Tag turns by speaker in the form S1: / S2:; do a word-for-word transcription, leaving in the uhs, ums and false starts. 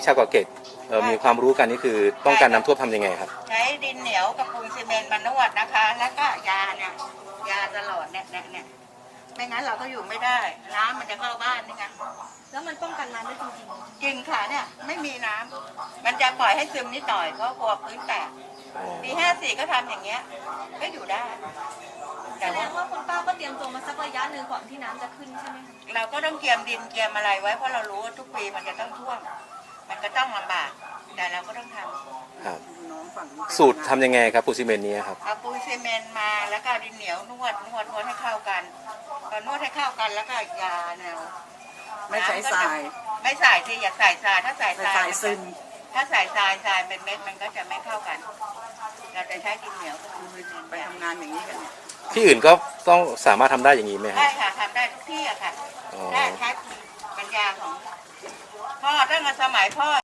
S1: ชาวเกาะเกร็ดเอ่อมีความรู้กันนี่คือป้องกันน้ำท่วมทำยังไงครับ
S2: ใช้ดินเหนียวกับปูนซีเมนต์มานวดนะคะ แล้วก็ยาเนี่ยยาตลอดเนี่ยเนี่ยเนี่ยไม่งั้นเราก็อยู่ไม่ได้น้ำมันจะเข้าบ้านนี่ไง
S3: แล้วมันป้องกันน้ำได้จริง
S2: จริงค่ะเนี่ยไม่มีน้ำมันจะปล่อยให้ซึมนิดหน่อยเพราะกลัวพื้นแตกปีห้าสี่ก็ทำอย่างเงี้ยก็อยู่ได้
S3: ๆแสดงว่าคุณป้าก็เตรียมตัวมาสักระยะหนึ่งก่อนที่น้ำจะขึ้นใช่ไหมคะ
S2: เราก็ต้องเตรียมดินเตรียมอะไรไว้เพราะเรารู้ว่าทุกปีมันจะต้องท่วมมันก็ต้องลำบากแต่เราก็ต้องทำ
S1: ครับสูตรทำยังไงครับปูนซีเมนต์นี้ครับ
S2: เอาปูนซีเมนต์มาแล้วก็ดินเหนียวนวดนวดนวดให้เข้ากันพอนวดให้เข้ากันแล้วก็ยาแนว
S4: ไม่ใส่ทราย
S2: ไม่ใส่สิอย่าใส่ทรายถ้าใส่ทราย
S4: ซึม
S2: ถ้าใส่ทรายทรายเป็นเม็ดมันก็จะไม่เข้ากันเราจะใช้ดินเหนียว
S4: ไปทำงานอย่างนี้กันเนี่ย
S1: ที่อื่นก็ต้องสามารถทำได้อย่างนี้ไหมครับ
S2: ได้ค่ะทำได้ทุกที่อะค่ะได้ใช้ปัญญาของพ่อตั้งแต่สมัยพ่อ